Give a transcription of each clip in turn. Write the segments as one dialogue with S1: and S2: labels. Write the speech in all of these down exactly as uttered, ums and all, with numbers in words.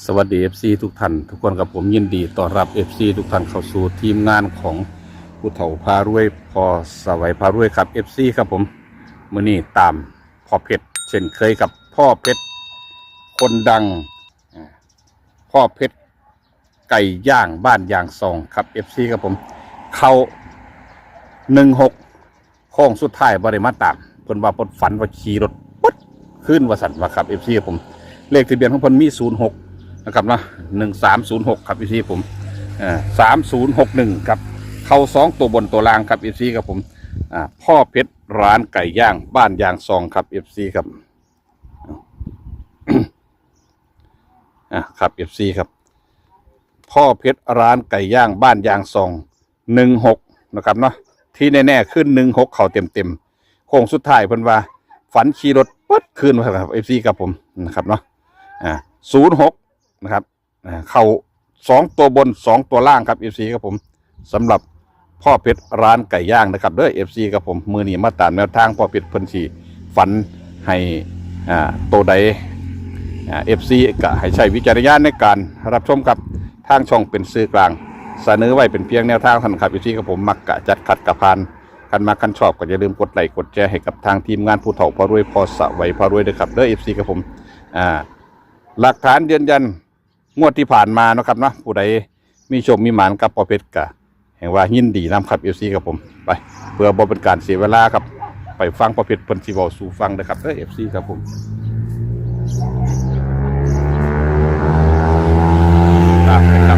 S1: สวัสดี เอฟ ซี ทุกท่านทุกคนกับผมยินดีต้อนรับ เอฟ ซี ทุกท่านเข้าสู่ทีมงานของผู้เฒ่าพารวยพอสวัยพารวยครับ เอฟ ซี ครับผมมื้อนี้ตามพ่อเพชรเช่นเคยกับพ่อเพชรคนดังพ่อเพชรไก่ย่างบ้านยางซองครับ เอฟ ซี ครับผมเข้าหนึ่งหกโค้งสุดท้ายบริมาตามเพิ่นว่าเพิ่นฝันว่าขี่รถปุ๊ดขึ้นว่าสั่นว่าครับ เอฟ ซี ครับผมเลขทะเบียนของเพิ่นมีศูนย์หกนะครับนะหนึ่งสามศูนย์หกครับ เอฟ ซี ผมอ่าสามศูนย์หกหนึ่งครับเข้าสองตัวบนตัวล่างครับ เอฟ ซี ครับผมอ่าพ่อเพชรร้านไก่ย่างบ้านยางซองครับ เอฟ ซี ครับอ่าครับ เอฟ ซี ครับพ่อเพชรร้านไก่ย่างบ้านยางซองหนึ่งหกนะครับเนาะที่แน่ๆขึ้นหนึ่งหกเข่าเต็มเต็มโค้งสุดท้ายเพิ่นว่าฝันขี่รถปุ๊ดขึ้นครับ เอฟ ซี ครับผมนะครับเนาะอ่าศูนย์หกนะครับเข่าสองตัวบนสองตัวล่างครับ เอฟ ซี ครับผมสำหรับพ่อเพชรร้านไก่ย่างนะครับเด้อ เอฟ ซี ครับผมมือนี้มาตามแนวทางพ่อเพชรเพิ่นสิฝันให้อ่าตัวใดอ่า เอฟ ซี ก็ให้ใช้วิจารณญาณในการรับชมกับทางช่องเป็นสื่อกลางเสนอไว้เป็นเพียงแนวทางเท่านั้นครับ เอฟ ซี ครับผมมักกะจัดขัดกะพานกันมากันชอบก็อย่าลืมกดไลค์กดแชร์ให้กับทางทีมงานผู้เฒ่าพารวยพอสวัยพารวยด้วยครับเด้อ เอฟ ซี ครับผมอ่าหลักฐานยืนยันงวดที่ผ่านมานะครับเนาะผู้ใดมีโชคมีหมานกับพ่อเพชรกะแห่งว่ายินดีนำครับ เอฟ ซี ครับผมไปเพื่อบ่เป็นการเสียเวลาครับไปฟังพ่อเพชรเพิ่นสิเว้าสู่ฟังเด้อครับเด้อ เอฟ ซี ครับผมครับครับ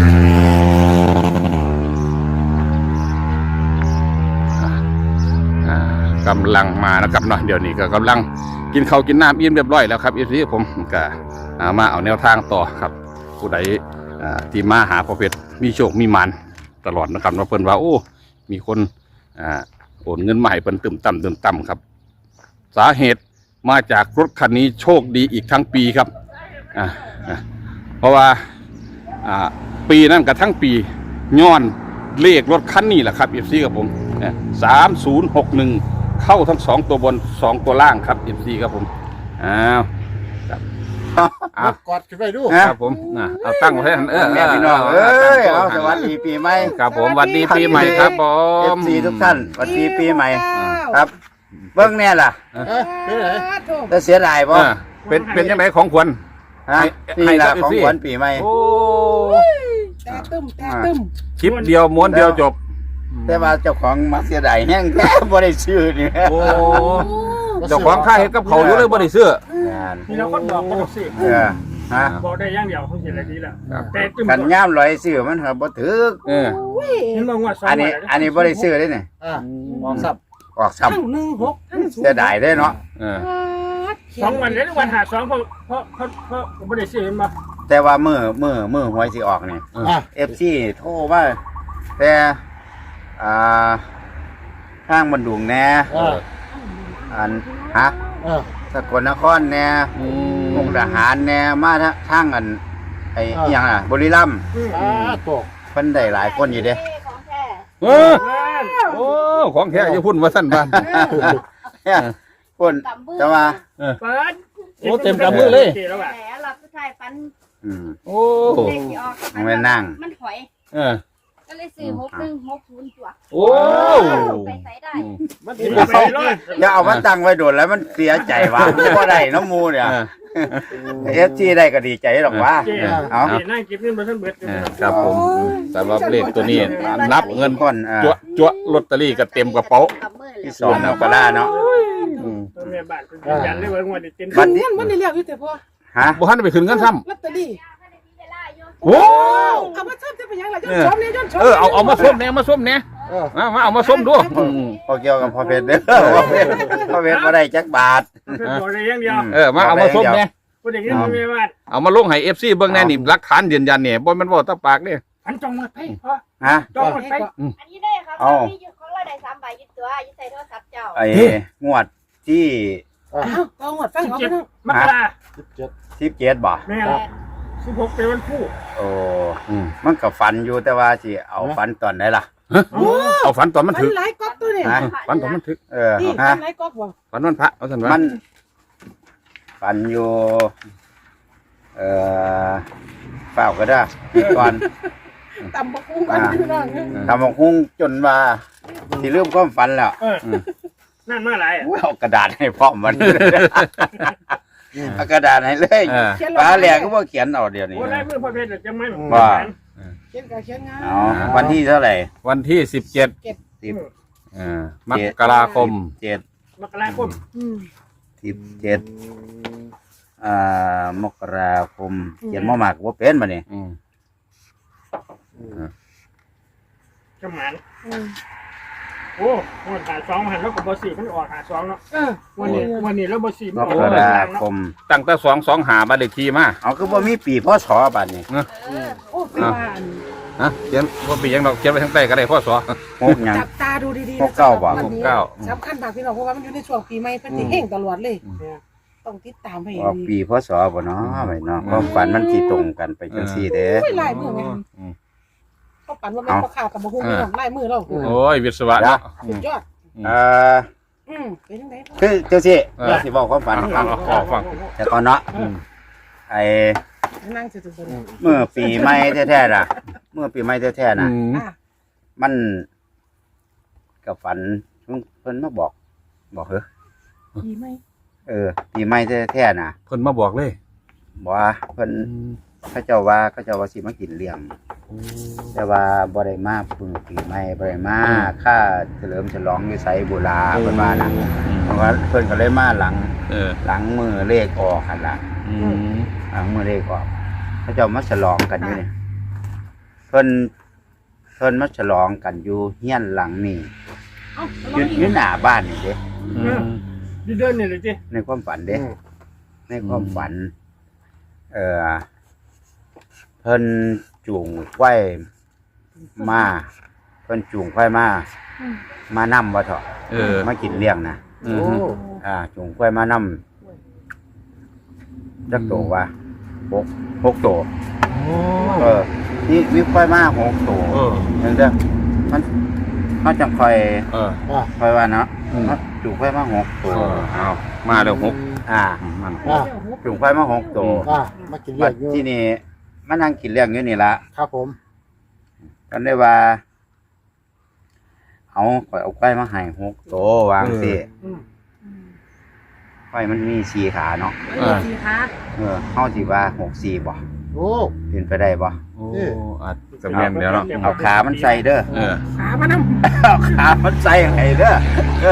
S1: กำลังมานะครับเนาะเดี๋ยวนี้ก็กำลังกินข้าวกินน้ำอิ่มเรียบร้อยแล้วครับ เอฟ ซี ผมก็มาเอาแนวทางต่อครับผู้ใดที่มาหาพ่อเพชรมีโชคมีหมานตลอดนะครับว่าเพิ่นว่าโอ้มีคนโอนเงินมาให้เพิ่นตึมต่ำตึมต่ำครับสาเหตุมาจากรถคันนี้โชคดีอีกทั้งปีครับเพราะว่าปีนั้นกับทั้งปีย้อนเลขรถคันนี้แหละครับ เอฟ ซี กับผมสามศูนย์หกหนึ่งเข้าทั้งสองตัวบนสองตัวล่างครับ เอฟ ซี ครับผมอ้าวครับอ้าว
S2: กอดขึ้นไปดู
S1: ครับผมนะเอาตั้งไว้เออ
S2: แม่พี่น้องเอ้ยเอาสวัสดีปีใหม่
S1: ครับผมสวัสดีปีใหม่ครับผม
S2: เอฟซีทุกท่านสวัสดีปีใหม่ครับเบิ้งแน่ล่ะจะเสียดายป่ะ
S1: เป็นเป็นยังไงของขวัญ
S2: ฮะนี่ล่ะของขวัญปีใหม่
S1: โอ้
S3: แต่ตึ้มแต่ตึ้ม
S1: คลิปเดียวม้วนเดียวจบ
S2: แต่ว่าเจ้าของมาเสียดายแห้งแค่บ่ได้ซื้อนี่
S1: โอ้เจ้าของค่าเห็ดกับเขาอยู่เลยบ่ได้ซื้อ
S3: มีเราก็บอกบ่ต้องซื้อ
S2: เออฮะ
S3: บอกได้อย่างเดียวเขาเสียได้ดีแล้วแต่ตึ้ม
S2: กันย่ามลอยซื้อมันก็บ่ถึก
S1: เออ
S3: เห็นบ่ว่า
S2: อันนี้อันนี้บ่ได้ซื้อเด้นี่
S3: อ่าออกซับ
S2: ออกซ้ำ
S3: หนึ่งหก
S2: เสียดายเด้เนาะ
S1: เออ
S3: สองวันเด้วันหาสองเพราะเพราะเพราะเพราะบ่ได้ซื้อมา
S2: แต่ว่ามื้อมื้อมื้อหวยสิออกนี่ เอฟ ซี โทรมาแต่อ่าทางบันดุงแน่อันฮะสกลนครแน่มุกดาหารแน่มาทางอันไอ้ยังอ่ะบุรีรัมย์เพิ่นได้หลายคนอยู่เด้
S1: เออโอ้ของแท้จะพุ่นว่าสั้นบ้าน
S2: พุ่นจะมา
S3: เปิด
S1: โอ้เต็มกำมือเลย
S4: แหมเราผู้ชายฟัน
S1: โอ้
S2: ไม่นั่ง
S4: มันถอย
S1: เออ
S4: ก็เลยซื้อหกหนึ่งหกศูนย์ตัว
S1: โอ้
S4: ไปใส่ได้
S3: มันไปรอด
S2: อย่าเอามาตั้งไว้โดดแล้วมันเสียใจว่ะบ่ได้น้ำมูเนี่ยเอฟซีได้ก็ดีใจหรอกว่า
S3: เอานั่งเก็บเงินมาทั้งเบิด
S1: ครับผมสำหรับเลขตัวนี้นับเงินก่อนจั่วจั่วลอตเตอรี่ก็เต็มกระเป๋า
S2: ที่สองเอาก็ได้เนาะ
S3: แม่บ้านเป็นยันเลยว่างวดนี้เต็ม
S2: บัดนี้
S3: มันได้เรียกอยู่แต่พอ
S2: ฮะ
S1: บ่ทันไปขึ้นเงินซ้
S3: ำลอตเตอรี่
S1: โอ้
S3: เอามาส้มจะเป็นยังไงย้อนชมเนี่ยย้อนชม
S1: เออเอาเอามาส้มเนี่ยมาส้มเนี่ยมาเอามาส้มดู
S2: พอเกี่ยวกับพ่อเพชรเด้อพ่อเพชรมาได้จักบาท
S3: บอกได้อย่างเดียว
S1: เออมาเอามาส้มเนี่ย
S3: พูดอย่างนี้มันไม่ว่า
S1: เอามาลงให้เอฟซีเบิ้งแน่นี่หลักฐานยืนยันเนี่ยบนมันบอกตาปากเนี่ย
S3: อันจองหมดไปพ่อ
S2: ฮะ
S3: จองหมดไป
S4: อันนี้ได้ครับมีอยู่ของเราได้สามใบยึดตัวยึดใส่โทรศัพท์เจ้า
S2: ไอ้งวดที่
S3: จองหมดฟังเขามกรา
S2: สิบเจ็ดบ่
S3: แม่สิบหกเป็นวันคู่
S2: โอ้มันก็ฝันอยู่แต่ว่าสิเอาฝันตอนไหนล่ะ
S1: เอาฝันตอนมันถึง
S3: ฝันหลายก๊อกตัวนี่
S1: ฝันตอนมันถึง
S2: เออ
S3: ฮะฝันหลายก๊อกบ่
S1: ฝันวันพระเอาสันว่า
S2: มันฝันอยู่เเอ่อเปล่าก็ได้ก่อน
S5: ตำบักหุ่งกันพี่น้อง
S2: ทำบักหุ้งจนว่าสิลืมความฝันแล้ว
S3: เออนั่นมาหลายอ่ะ
S2: อุ้ยเอากระดาษให้พร้อมมันเอากระดาษให้เลย
S1: เออ
S2: ฟ้าแหลกก็บ่เขียนเอาเดี๋ยวนี้
S3: โอ้ลายมือพ่อเพชรจะไม่
S2: ว่า
S5: เขียนกับเขียนงาน
S2: เอาวันที่เท่าไหร่
S1: วันที่สิบเจ็ด
S2: สิบ
S1: มกราคม
S2: เจ็ด
S3: มกราคม
S5: อืม
S2: สิบเจ็ดอ่ามกราคมเขียนมอมากว่าเป็นมาเนี่ย
S1: อืม
S3: จำหมัน
S5: อืม
S3: โอ้วันหาสองหันแล้วกับบอสี่มันออกหาสองเนาะ
S5: เออ
S3: วันนี้วันนี้แล้วบอสี่
S2: ม
S3: มันออก
S2: ก
S3: หา
S2: รา
S3: สอง
S2: ค
S3: เนาะ
S2: ม
S1: ตั้งแต่สองสองหาบ้านเลขที่มา
S2: เอาคือว่ามีปีพศบัดนี้
S4: เออ
S5: โอ้เป็นว่าอัน
S1: ฮะเขียนว่าปีหยังดอกเขียนไปทั้งใต้ก็ได้พ่อสอ
S2: หกหยัง
S5: จับตาดูดีๆ
S2: หกเก้าบ่
S5: วันนี้
S1: หกเก้า
S5: สำคัญมากพี่น้องเพราะว่ามันอยู่ในช่วงปีใหม่เพิ่นสิเฮ่งตลอดเลย ต้องติดตามให้
S2: ออก
S5: ดี
S2: ปีพศบ่เนาะไปเนาะความฝันมันสิตรงกันไปจังซี่เด้
S5: โอ้ยลายมือแม่น
S1: อืม
S5: เขาปั่นว่าแม่นพ่อค้ากับบ่ฮู้พี่น้องลายมือเรา
S1: โอ้ยวิศวะเนาะ
S5: สุดยอด
S2: เอ่อ
S5: อืมเป็นจังได๋
S2: คือจังซี่
S1: เออ
S2: เราสิบอกความฝันให้ฟัง
S1: เอาเอาฟัง
S2: แต่ก่อนเนาะ
S1: อืม
S2: ไอ้
S5: นั่งซื่อๆ
S2: เมื่อปีใหม่แท้ๆน่ะ เมื่อปีใหม่แท้ๆน่ะ
S1: อืม
S5: อ่ะ
S2: มันกับฝันเพิ่นมาบอก บอกเฮ้อ
S5: ดีไหม
S2: เออ ปีใหม่แท้ๆน่ะ
S1: เพิ่นมาบอกเลย
S2: บอกว่าเพิ่นเขาเจ้าว่าเขาเจ้าว่าสิมากินเลี้ยง แต่ว่าบ่ได้มาพึ่งปีใหม่บ่ได้มาค่าเฉลิมฉลองอยู่ไสบุราเพิ่นว่าน่ะเพราะว่าเพิ่นก็เลยมาหลัง
S1: เออ
S2: หลังมือเลขออกหั่นล่ะ
S1: อืม
S2: หลังมือเลขออกเขาเจ้ามาฉลองกันอยู่นี่เพิ่นเพิ่นมาฉลองกันอยู่เฮียนหลังนี่
S5: เอ้า
S2: อยู่อยู่หน้าบ้านนี่เด้
S1: อืม
S3: ดีเดินนี่เลยจี
S2: ในความฝันเด้ในความฝัน เอ่อเพิ่นจูงควายมาเพิ่นจูงควายมา มานํว่าเถาะ
S1: เออ
S2: มากินเลี้ยงนะ
S1: อืม
S2: อ่าจูงควายมานํจักโตว่าหกหกโตเออนี่มีควายมาหกโต
S1: เออ
S2: จังเด้อมันมันจังค่อย
S1: เออ
S2: ค่อยว่าเนาะ
S1: อืม
S2: มันจูงควายมาหกโต
S1: เออเอามาแล้วหก
S2: อ่า
S1: มัน
S6: อ่า
S2: จูงควายมาหกโต
S6: อ่ามากิน
S2: บั
S6: เลี้ย
S2: ด
S6: งอยู่
S2: ที่นี่มานั่งกินเลี้ยงอยู่นี่ละ
S6: ครับผม
S2: กันได้ว่า เอาข่อยเอาไก่มาให้หกโตวางสิไก่มันมีสี่ขาเนาะ
S5: เออสีขา
S2: เออเฮาสิว่าหกสี่บ่
S6: โอ้
S2: เป็นไปได้บ่
S1: โอ้อาจจะแม่นเดี๋ยวเนาะ
S2: เอาขามันใส่เด้อ
S1: เออ
S5: ขามานำ
S2: เอาขามันใส่ให้เด้อ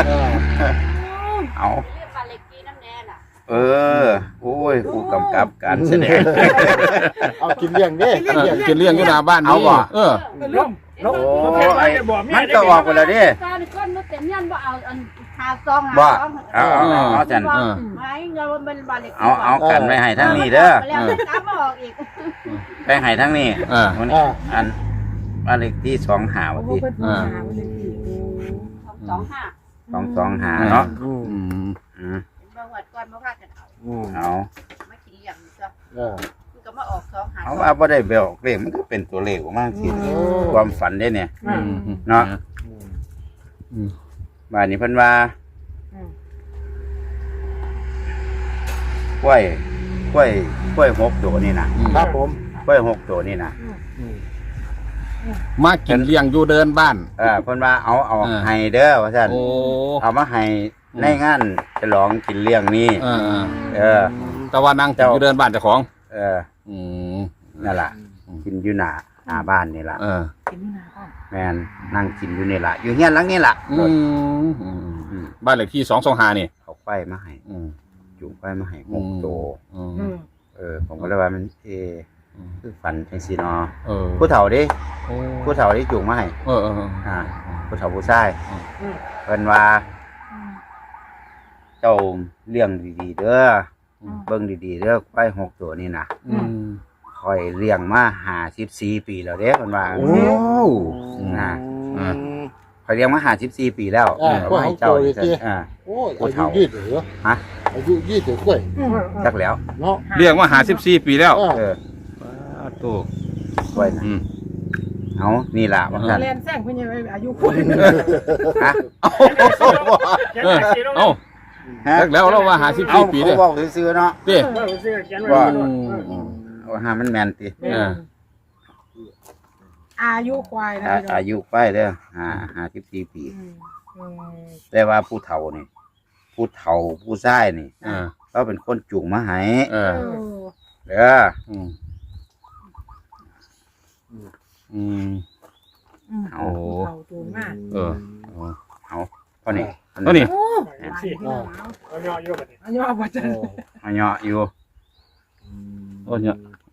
S2: เอา
S4: เรียกปลาเล็กกี้น้ำแน่น่ะ
S2: เออ โอ้ยผู้กำกับการแสดง
S6: เอากินเลี้ยงเด้
S1: เออกินเลี้ยงอยู่หน้าบ้าน
S2: เอา
S1: นี่
S2: บ่
S1: เออ
S3: ลงลง
S2: โอ้
S3: พ่อเพชร
S2: ไอ้
S3: จะบอกเมี
S2: มั
S3: ย
S2: น
S3: ได้
S2: ก็ออกไปแล้วเดิ
S4: การก้นมันเต็มยันบ่เอาอันหาซองหา
S2: บ่
S4: ซอง
S2: เอาเอาเอาเอาจัน
S1: เออ
S4: ไม่เงินมันเป็นปลาเล็ก
S2: เอาเอากันไว้ให้ทั้งนี้เด้อ
S4: แล้วตามมาออกอีก
S2: ไปให้ทั้งนี้
S1: เออ
S2: มัน
S6: อ่า
S2: อันบ้านเลขที่สองหา
S5: โอ้
S2: วัน
S5: โห
S2: ที่
S5: เพิ่นหาไว้เลยพี่
S4: สองห้า
S2: สองสองหาเนาะ
S6: อืม
S1: อืม
S2: อืม
S4: บางวัดก่อนมาพากันเอา
S6: อืม
S2: เอา
S4: ไม่กินเลี้ยงซะ
S6: เออ
S4: มันก็มาออกสองหา
S2: เอาว่าบ่ได้เบลออกเลขมันก็เป็นตัวเลขออกมาสิ
S6: โอ้
S2: ความฝันได้เนี่ย
S1: อืมอืม
S2: เนาะ
S6: อืม
S1: อืม
S2: บ้านนี้เพิ่นว่ากล้วยกล้วยกล้วยหกตัวนี่นะครับ
S6: ผม
S2: กล้วยหกตัวนี่นะ
S6: อืม
S1: มากินเลี้ยงอยู่เดินบ้าน
S2: เออเพิ่นว่าเอาเอา
S1: เออ
S2: ให้เด้อว่าซั่น
S1: โอ้
S2: เอามาให้ในงานฉลองกินเลี้ยงนี่
S1: เออเออ
S2: เออ
S1: แต่ว่านั่งกินอยู่เดินบ้านเจ้าของ
S2: เออ
S1: อืม
S2: นั่นล่ะกินอยู่หน้าหน้าบ้านนี่ล่ะ
S1: เออ
S5: กินนี่นาบ้าน
S2: แม่นนั่งกินอยู่นี่ล่ะอยู่เฮียนหลังนี่ล่ะ
S1: อืมอืมอืมบ้านเลขที่สองสองหานี่
S2: เขาไฟมาให้
S1: อืม
S2: จุงไฟมาให้หกตัว
S1: อืม
S5: อืม
S2: เออผมก็เลยว่ามันเออคือฝันจังซี่เนาะ
S1: เออ
S2: ผู้เฒ่าดิ
S1: โอ้
S2: ผู้เฒ่าที่จุงมาให้
S1: เออเออเออ
S2: อ่าผู้เฒ่าผู้ชาย
S3: อืม
S2: เพิ่นว่า เจ้าเลี้ยงดีๆเด้ออเบิ่งดีๆเด้อควายหกตัวนี่นะ
S1: อืม
S2: คอยเลี้ยงมาห้าสิบสี่ปีแล้วเด้เพิ่นว่า
S6: โอ้
S2: น่ะ
S6: อืม
S2: คอยเลี้ยงมาห้าสิบสี่ปีแล้ว
S6: อ่า
S2: เออให้เจ้า
S6: ควายหกตัวเลยสิ
S2: อ่า
S6: โอ้ยอายุยืดเหรอ
S2: ฮะ
S6: อายุยืดเหรอกล้วย
S2: จักแล้ว
S6: เนาะ
S1: เลี้ยงมาหาสิบสี่ปีแล้ว
S6: เออ
S2: เออ
S1: ตู้
S2: กล้วยน่ะ
S1: อืม
S2: เอานี่ล่ะว่าซั่น
S5: แลนแซงเพิ่นยังอายุคุณ
S2: ฮะ
S3: เขียน
S1: เออ
S3: หนังสือลง
S1: เอ้า
S2: ฮะ
S1: แล้วเราว่าหาสิบ
S2: เอา
S1: สี่ปี
S2: เขา
S1: เลย
S2: บอกซื่อๆเนาะ
S1: เด้
S3: เออเสื้อเขียนไว้
S2: ว่า
S3: ด้วย
S1: อืม
S3: เออ
S1: อืม
S2: หามันแมนติ
S1: เออ
S5: อายุควายนะ
S2: อ่า
S5: พี่น้อง
S2: อายุไปเด้อหาหาสิบสี่ปี
S5: อืมอืม
S2: แต่ว่าผู้เฒ่านี่ผู้เฒ่าผู้ชายนี่
S1: เออ
S2: เขาเป็นคนจุงมาให้
S1: เออ
S5: เออ
S2: เด้อ
S1: อืมอืม
S5: อืม
S2: เอา
S5: เขาจูงมาก
S1: เออเอา
S2: เอาเท่านี้
S1: ตัวนี้
S5: โอ้
S3: เห็น
S5: หลาย
S3: สิ
S5: พี่น้อง
S3: เอาย่ออยู่แบบนี้
S5: อายุอาบัจัน
S2: เอาเหยาะอยู่
S1: โอ้ยเนี่ย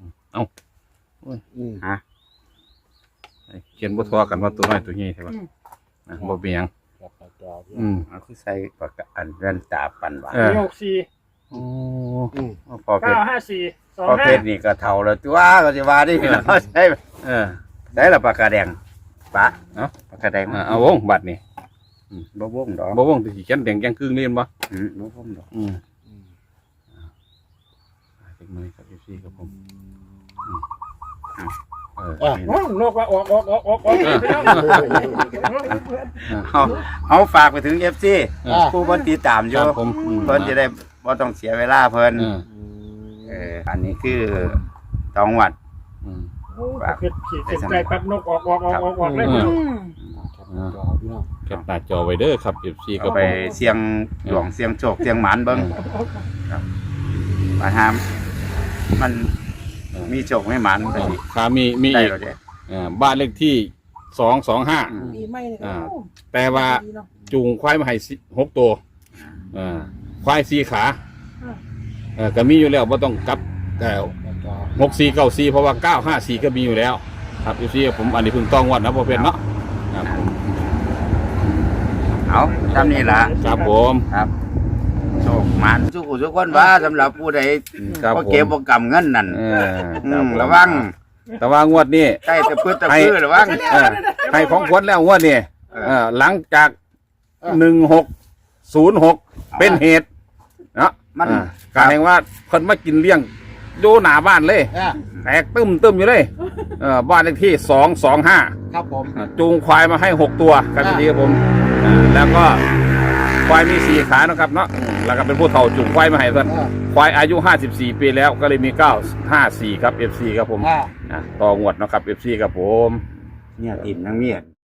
S6: อืม
S2: ฮะ
S1: เขียนบ่ทอกันว่าตัวน้อยตัวใหญ่ใช่ปะนะบ่เป็นหยัง
S6: ครับครับครับ
S1: อืม
S2: เอาคือใส่ปากกาอันแว่นตาปันหวาน
S1: เออ
S3: หกสี่
S1: โอ้
S6: อืม
S2: พอเพ
S3: เก้า
S2: ชร
S3: ห้าสี่สอง
S2: พอ
S3: ห้า
S2: เพชรนี่ก็เฒ่าแล้วตัวก็สิว่าดิเราใช้
S1: เออ
S2: ได้ละปากกาแดงปะ
S1: เอ้า
S2: ปากกาแดง
S1: อ่าเอาวงบัตรนี่
S2: บ่วงดอก
S1: บ่วงที่สิเขียนแดงแกงครึ่งเล่นบ่
S2: อืมบ่วงดอก
S1: อืม
S6: อืม
S1: เทคโนโลยีครับพี่ครับผมเออ
S6: อ่ะ
S3: โอ้นกว่าออกออกออกออกออกพี่น้อง
S2: เอาเอาฝากไปถึง เอฟ ซี
S6: อ่ะ
S2: ผู้เพิ่นติดตามอ
S1: ค
S2: ยู่
S1: รับผมอืม
S2: เพิ่นจะได้บ่ต้องเสียเวลาเพิ่น
S1: เออ
S2: เอออันนี้คือตองวัด
S1: อืม
S3: เผ็ดขีดเส้นใจปั๊บนกออกออกออกออกออกเลย
S1: อื
S5: อืม
S6: ครับจอพี่น้อง
S1: แคปหน้าจอไว้เด้อครับ เอฟ ซี ครั
S2: ก็
S1: บ
S2: ไป
S1: ผม
S2: เสียงหลวงเสียงโชคเสียงหมานเบิ่งมาหามมันมีโชคไม่หมานไปสิ
S1: ขามีมี
S2: ได้
S1: อีก
S2: แล้วเด้
S1: เอ่อบ้านเลขที่สองสองห้า
S5: ปีใหม่เลย
S1: อ่า
S5: โอ้
S1: แต่ว่า
S5: ดีเนาะ
S1: จูงควายมาให้สิหกตัวอ่าควายสี่ขา
S5: อ่า
S1: เออก็มีอยู่แล้วบ่ต้องกลับแต่
S6: จอ
S1: หกสี่เก้าสี่เพราะว่าเก้าห้าสี่ก็มีอยู่แล้ว ครับพี่ผมอันนี้เพิ่งต้องวัดนะพ่อเพชรเนาะครับผม
S2: เอาทำนี่ล่ะ
S1: ครับผม
S2: ครับโชคหมานทุกผู้ทุกคนว่าสำหรับผู้ใด
S1: ครับ
S2: บ่
S1: ผม
S2: เก็บบ่กำเงินนั่น
S1: เออ
S2: อื
S1: ครับ
S2: ม
S1: ผม
S2: ระวัง
S1: แต่ว่างวดนี้
S2: ใกล้ตะพืชตะพืชระวัง
S1: เออให้ของขวัญแล้วงวดนี้เออหลังจากหนึ่งหกศูนย์หกเป็นเหตุเนาะ
S2: มัน
S1: อ่าการแห่งว่าเพิ่นมากินเลี้ยงดูหน้าบ้านเลย
S6: อ่ะ
S1: แตกตึมตึมอยู่เลยเออบ้านเลขที่สองสองห้า
S6: ครับผม
S1: จูงควายมาให้หกตัวครับพี่ครับผมอ่าแล้วก็ควายมีสี่ขานะครับเนาะอืมแล้วก็เป็นผู้เฒ่าจูงควายมาให้เพื่อน
S6: อ่ะ
S1: ควายอายุห้าสิบสี่ปีแล้วก็เลยมีเก้าห้าสี่ครับเอฟซีครับผม
S6: อ่ะ
S1: อ่ะต่องวดเนาะครับเอฟซีครับผม
S2: เนี่ยติ่มนังเมียด